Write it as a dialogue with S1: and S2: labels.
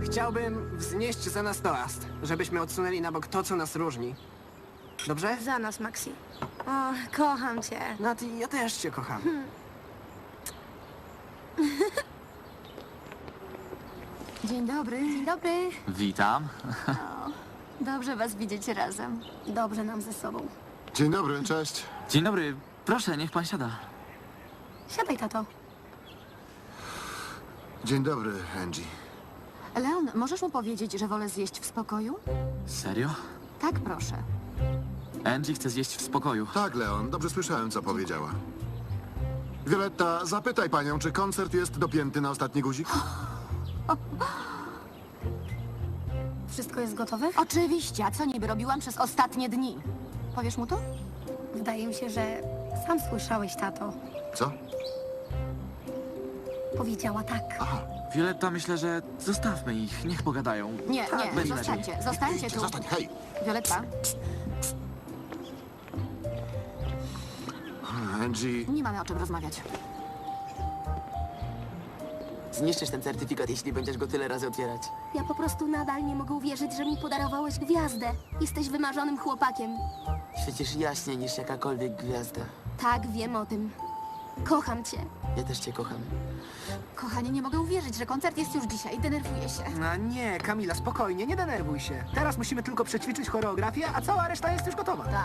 S1: Chciałbym wznieść za nas toast, żebyśmy odsunęli na bok to, co nas różni. Dobrze?
S2: Za nas, Maxi. O, kocham cię.
S1: Nati, ja też cię kocham.
S3: Dzień dobry.
S2: Dzień dobry.
S4: Witam.
S3: Dobrze was widzieć razem.
S2: Dobrze nam ze sobą.
S5: Dzień dobry, cześć.
S4: Dzień dobry. Proszę, niech pan siada.
S2: Siadaj, tato.
S5: Dzień dobry, Angie.
S3: Leon, możesz mu powiedzieć, że wolę zjeść w spokoju?
S4: Serio?
S3: Tak, proszę.
S4: Angie chce zjeść w spokoju.
S5: Tak, Leon, dobrze słyszałem, co powiedziała. Violetta, zapytaj panią, czy koncert jest dopięty na ostatni guzik?
S2: Wszystko jest gotowe?
S3: Oczywiście, a co niby robiłam przez ostatnie dni? Powiesz mu to?
S2: Wydaje mi się, że sam słyszałeś, tato.
S5: Co?
S2: Powiedziała tak.
S4: Violetta, myślę, że zostawmy ich. Niech pogadają.
S3: Nie,
S4: będzie
S3: zostańcie. Zostańcie tu.
S5: Zostań, hej!
S3: Violetta,
S5: Angie,
S3: nie mamy o czym rozmawiać.
S6: Zniszczysz ten certyfikat, jeśli będziesz go tyle razy otwierać.
S2: Ja po prostu nadal nie mogę uwierzyć, że mi podarowałeś gwiazdę. Jesteś wymarzonym chłopakiem.
S6: Świecisz jaśniej niż jakakolwiek gwiazda.
S2: Tak, wiem o tym. Kocham cię.
S6: Ja też cię kocham.
S3: Kochanie, nie mogę uwierzyć, że koncert jest już dzisiaj. Denerwuję się.
S1: A nie, Kamila, spokojnie, nie denerwuj się. Teraz musimy tylko przećwiczyć choreografię, a cała reszta jest już gotowa.